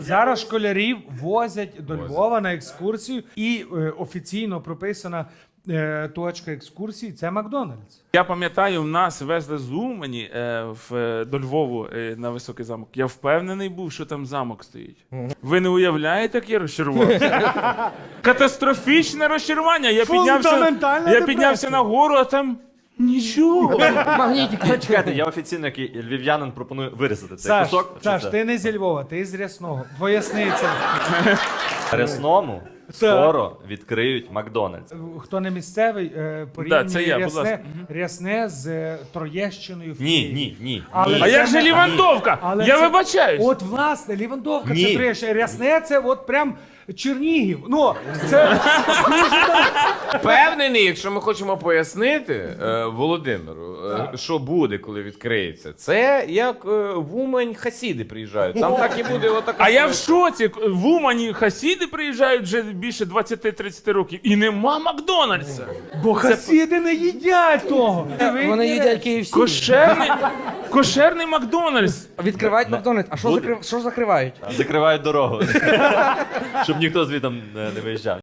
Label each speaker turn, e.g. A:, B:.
A: Зараз школярів возять до Львова на екскурсію, і офіційно прописана точка екскурсії – це Макдональдс.
B: Я пам'ятаю, в нас везли з Умані до Львову на Високий замок. Я впевнений був, що там замок стоїть. Ви не уявляєте, як я розчарувався? Катастрофічне розчарування. Я піднявся на гору, а там нічого.
C: Магнітик.
D: Чекайте, я офіційно, як львів'янин, пропоную вирізати цей
A: Саш,
D: кусок.
A: Саш, ти не зі Львова, ти з Рясного. Поясни це.
D: Рясному скоро відкриють Макдональдс.
A: Хто не місцевий, порівнює
B: це я, будь ласка.
A: Рясне з Троєщиною. в
D: Ні,
A: Києві.
D: ні.
A: Але
B: А
A: це
B: як же
A: не-
B: Лівандовка?
A: Але
B: Я
A: це-
B: вибачаюсь.
A: От, власне, Лівандовка
D: Ні.
A: це Троєщина, Рясне це от прям Чернігів. Ну, це
C: Впевнений, якщо ми хочемо пояснити Володимиру, що буде, коли відкриється. Це як в Умань хасіди приїжджають. Там так і буде отака.
B: А я в шоці. В Умані хасіди приїжджають вже більше 20-30 років. І нема Макдональдса.
A: бо хасіди не їдять того.
E: Вони їдять KFC.
B: Кошерний Макдональдс.
E: Відкривають Макдональдс. А що закривають?
D: Закривають дорогу, щоб ніхто звідти не виїжджав.